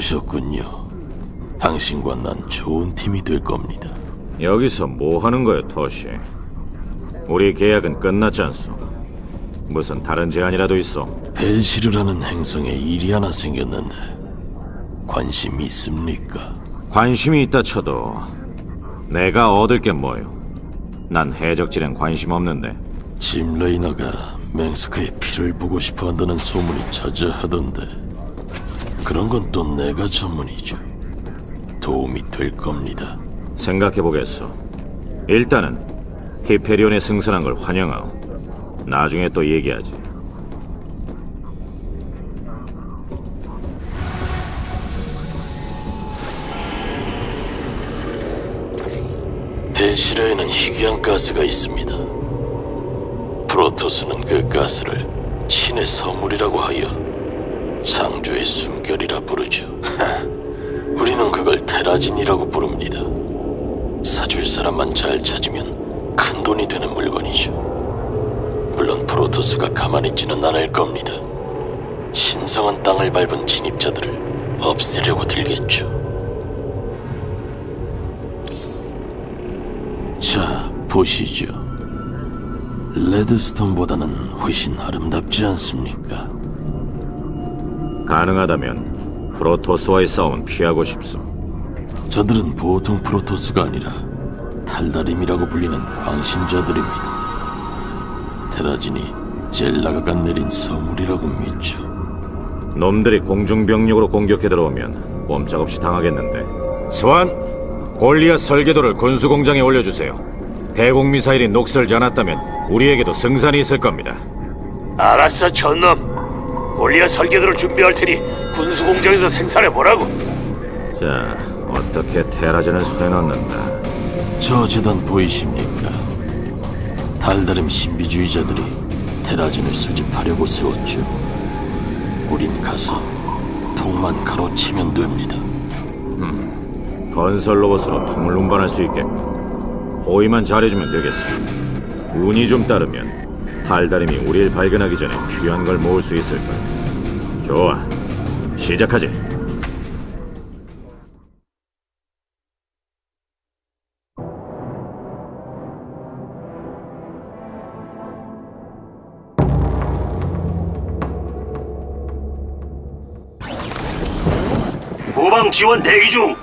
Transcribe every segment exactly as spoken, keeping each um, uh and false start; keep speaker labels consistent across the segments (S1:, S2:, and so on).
S1: 오셨군요. 당신과 난 좋은 팀이 될 겁니다.
S2: 여기서 뭐 하는 거야, 토시? 우리 계약은 끝났지 않소? 무슨 다른 제안이라도 있어?
S1: 벨시르라는 행성에 일이 하나 생겼는데 관심 있습니까?
S2: 관심이 있다 쳐도 내가 얻을 게 뭐요? 난 해적질엔 관심 없는데.
S1: 짐 레이너가 맹스크의 피를 보고 싶어 한다는 소문이 자자하던데 그런 건 또 내가 전문이죠. 도움이 될 겁니다.
S2: 생각해보겠어. 일단은 히페리온에 승선한 걸 환영하오. 나중에 또 얘기하지.
S1: 벨시르에는 희귀한 가스가 있습니다. 프로토스는 그 가스를 신의 선물이라고 하여 창조의 숨결이라 부르죠. 우리는 그걸 테라진이라고 부릅니다. 사줄 사람만 잘 찾으면 큰 돈이 되는 물건이죠. 물론 프로토스가 가만히 있지는 않을 겁니다. 신성한 땅을 밟은 진입자들을 없애려고 들겠죠. 자, 보시죠. 레드스톤보다는 훨씬 아름답지 않습니까?
S2: 가능하다면 프로토스와의 싸움은 피하고 싶소.
S1: 저들은 보통 프로토스가 아니라 탈다림이라고 불리는 광신자들입니다. 테라진이 젤라가가 내린 선물이라고 믿죠.
S2: 놈들이 공중병력으로 공격해 들어오면 꼼짝없이 당하겠는데. 스완, 골리앗 설계도를 군수공장에 올려주세요. 대공미사일이 녹슬지 않았다면 우리에게도 승산이 있을 겁니다.
S3: 알았어, 전놈. 골리앗 설계도를 준비할 테니 군수공장에서 생산해보라고.
S2: 자, 어떻게 테라진을 손에 넣는다.
S1: 저 재단 보이십니까? 달다림 신비주의자들이 테라진을 수집하려고 세웠죠. 우린 가서 통만 가로치면 됩니다.
S2: 건설 로봇으로 통을 운반할 수 있겠고 호위만 잘해주면 되겠어. 운이 좀 따르면 달다림이 우리를 발견하기 전에 귀한 걸 모을 수 있을 거야. 좋아, 시작하지.
S3: 후방 지원 대기 중.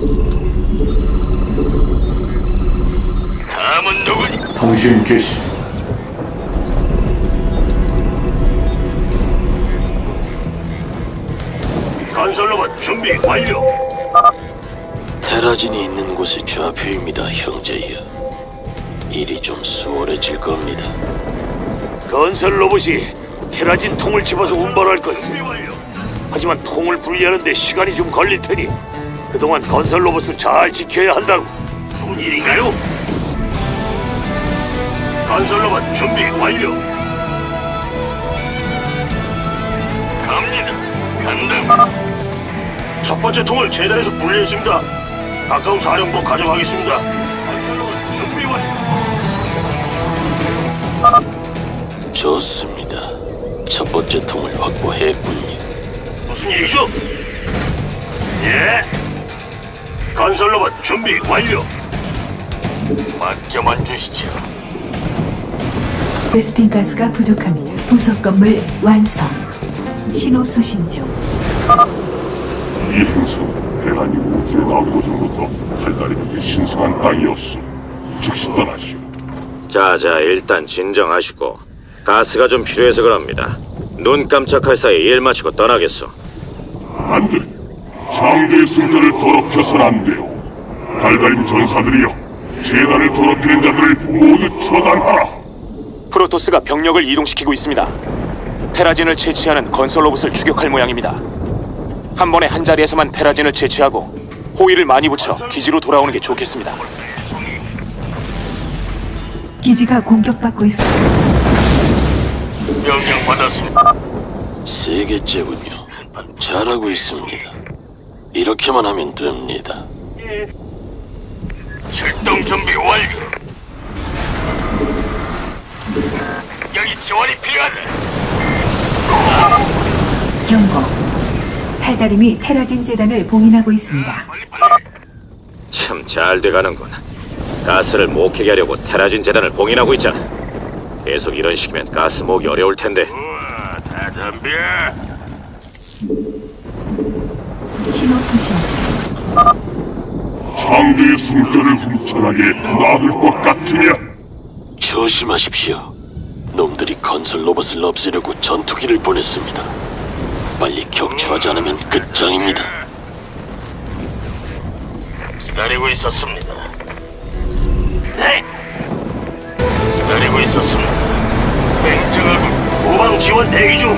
S3: 다음은 누구니?
S4: 통신 개시.
S3: 건설 로봇 준비 완료.
S1: 테라진이 있는 곳의 좌표입니다, 형제여. 일이 좀 수월해질 겁니다.
S3: 건설 로봇이 테라진 통을 집어서 운반할 것을. 하지만 통을 분리하는데 시간이 좀 걸릴 테니 그동안 건설 로봇을 잘 지켜야 한다고. 무슨 일인가요? 건설 로봇 준비 완료. 갑니다. 간다. 첫 번째 통을 재단에서 분리했습니다. 가까운 사령부 가져가겠습니다. 건설 로봇 준비 완료.
S1: 좋습니다. 첫 번째 통을 확보했군요.
S3: 무슨 일이죠? 예. 건설 로봇 준비 완료. 맡겨만 주시죠.
S5: 베스핀 가스가 부족합니다. 부속 건물 완성. 신호 수신 중.
S4: 이 행성 대란이 우주의 나오고 전부터 달달임의 신성한 땅이었어. 즉시 떠나시오.
S2: 자자, 일단 진정하시고. 가스가 좀 필요해서 그럽니다. 눈 깜짝할 사이 일 마치고 떠나겠어.
S4: 안 돼. 창조의 승자를 더럽혀선 안 돼요. 달달임 전사들이여, 재단을 더럽히는 자들을 모두 처단하라.
S6: 프로토스가 병력을 이동시키고 있습니다. 테라진을 채취하는 건설 로봇을 추격할 모양입니다. 한 번에 한 자리에서만 테라진을 채취하고 호위를 많이 붙여 기지로 돌아오는 게 좋겠습니다.
S5: 기지가 공격받고 있습니다.
S3: 명령 받았습니다.
S1: 세 개째군요. 잘하고 있습니다. 이렇게만 하면 됩니다.
S3: 출동 준비 완료. 여기 지원이 필요하다.
S5: 경고. 달달임이 테라진 재단을 봉인하고 있습니다.
S2: 참 잘 돼가는군. 가스를 목히게 하려고 테라진 재단을 봉인하고 있잖아. 계속 이런 식이면 가스 모으기 어려울 텐데.
S3: 우와, 다 덤벼.
S5: 신호 수신 중.
S4: 창조의 숨결을 훔쳐나게 놔둘 것 같으냐?
S1: 조심하십시오. 놈들이 건설 로봇을 없애려고 전투기를 보냈습니다. 빨리 격추하지 않으면 끝장입니다.
S3: 기다리고 있었습니다. 네. 기다리고 있었습니다. 냉정하고 후방 지원 대기 중.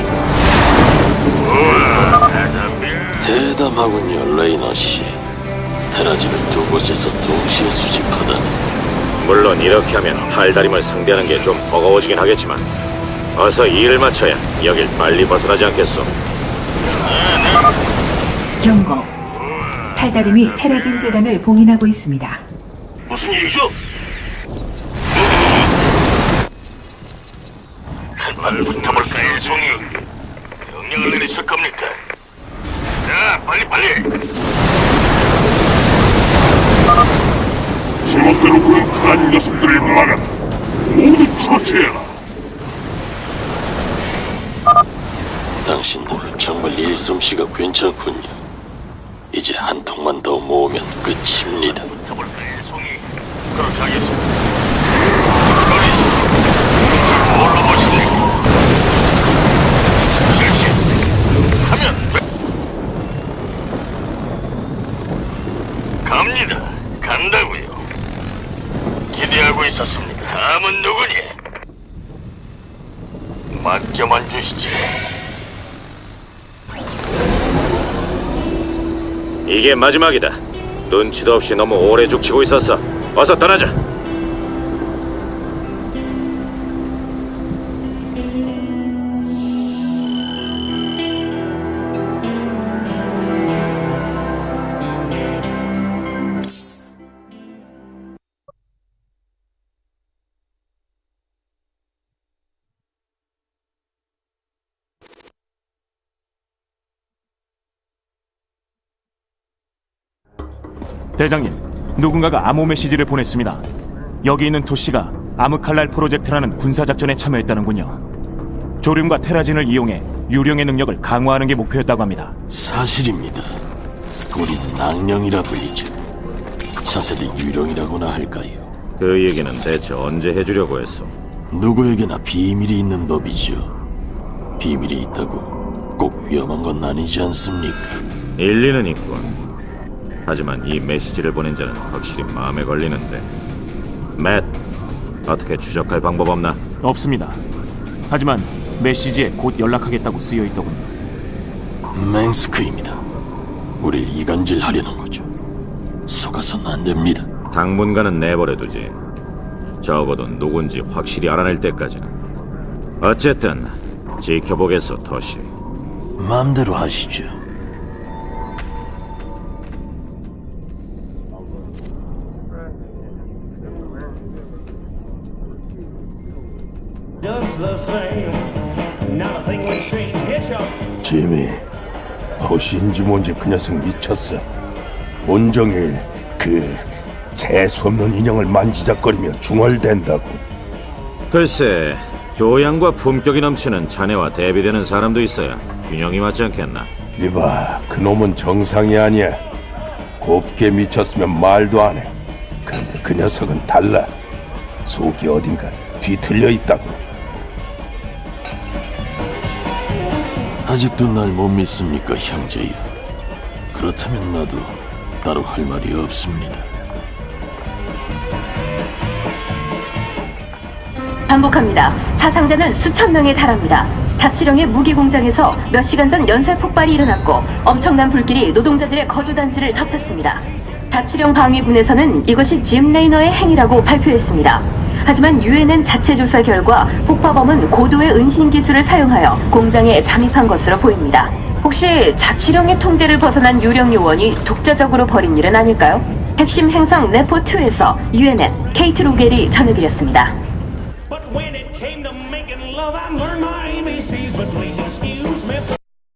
S3: 우와, 다 덤벼.
S1: 대담하군요, 레이너 씨. 테라진을 두 곳에서 동시에 수집하다니.
S2: 물론 이렇게 하면 달달임을 상대하는 게 좀 버거워지긴 하겠지만 어서 일을 마쳐야 여길 빨리 벗어나지 않겠소.
S5: 경고. 달달임이 테라진 재단을 봉인하고 있습니다.
S3: 무슨 일이죠? 한판 붙어볼까요, 송이? 명령을 내리실 겁니까? 자, 빨리 빨리.
S4: 제멋대로 구는 테란 녀석들을 막아 모두 처치해라.
S1: 당신들 정말 일솜씨가 괜찮군요. 이제 한 통만 더 모으면 끝입니다.
S3: 붙어볼까요, 송이? 그렇게 하겠습니다. 뭘로 보십니까? 실시. 하면 돼. 갑니다. 간다고요. 기대하고 있었습니다. 다음은 누구니? 맡겨만 주시지.
S2: 이게 마지막이다. 눈치도 없이 너무 오래 죽치고 있었어. 어서 떠나자.
S7: 대장님, 누군가가 암호 메시지를 보냈습니다. 여기 있는 도시가 아무칼날 프로젝트라는 군사작전에 참여했다는군요. 조륨과 테라진을 이용해 유령의 능력을 강화하는 게 목표였다고 합니다.
S1: 사실입니다. 우린 낭령이라 불리죠. 차세대 유령이라고나 할까요?
S2: 그 얘기는 대체 언제 해주려고 했어?
S1: 누구에게나 비밀이 있는 법이죠. 비밀이 있다고 꼭 위험한 건 아니지 않습니까?
S2: 일리는 있군. 하지만 이 메시지를 보낸 자는 확실히 마음에 걸리는데. 맷, 어떻게 추적할 방법 없나?
S7: 없습니다. 하지만 메시지에 곧 연락하겠다고 쓰여 있더군요.
S1: 맹스크입니다. 우릴 이간질하려는 거죠. 속아선 안 됩니다.
S2: 당분간은 내버려두지. 적어도 누군지 확실히 알아낼 때까지는. 어쨌든 지켜보겠소, 토시.
S1: 마음대로 하시죠.
S8: 지미, 토시인지 뭔지 그 녀석 미쳤어. 온종일 그 재수없는 인형을 만지작거리며 중얼댄다고.
S2: 글쎄, 교양과 품격이 넘치는 자네와 대비되는 사람도 있어야 균형이 맞지 않겠나?
S8: 이봐, 그놈은 정상이 아니야. 곱게 미쳤으면 말도 안 해. 그런데 그 녀석은 달라. 속이 어딘가 뒤틀려 있다고.
S1: 아직도 날 못 믿습니까, 형제여? 그렇다면 나도 따로 할 말이 없습니다.
S9: 반복합니다. 사상자는 수천 명에 달합니다. 자치령의 무기 공장에서 몇 시간 전 연쇄 폭발이 일어났고 엄청난 불길이 노동자들의 거주단지를 덮쳤습니다. 자치령 방위군에서는 이것이 짐 레이너의 행위라고 발표했습니다. 하지만 유엔엔 자체 조사 결과 폭파범은 고도의 은신 기술을 사용하여 공장에 잠입한 것으로 보입니다. 혹시 자치령의 통제를 벗어난 유령 요원이 독자적으로 벌인 일은 아닐까요? 핵심 행성 네포이에서 유엔엔 케이트 로겔이 전해드렸습니다.
S10: But when it came to making love, I learned my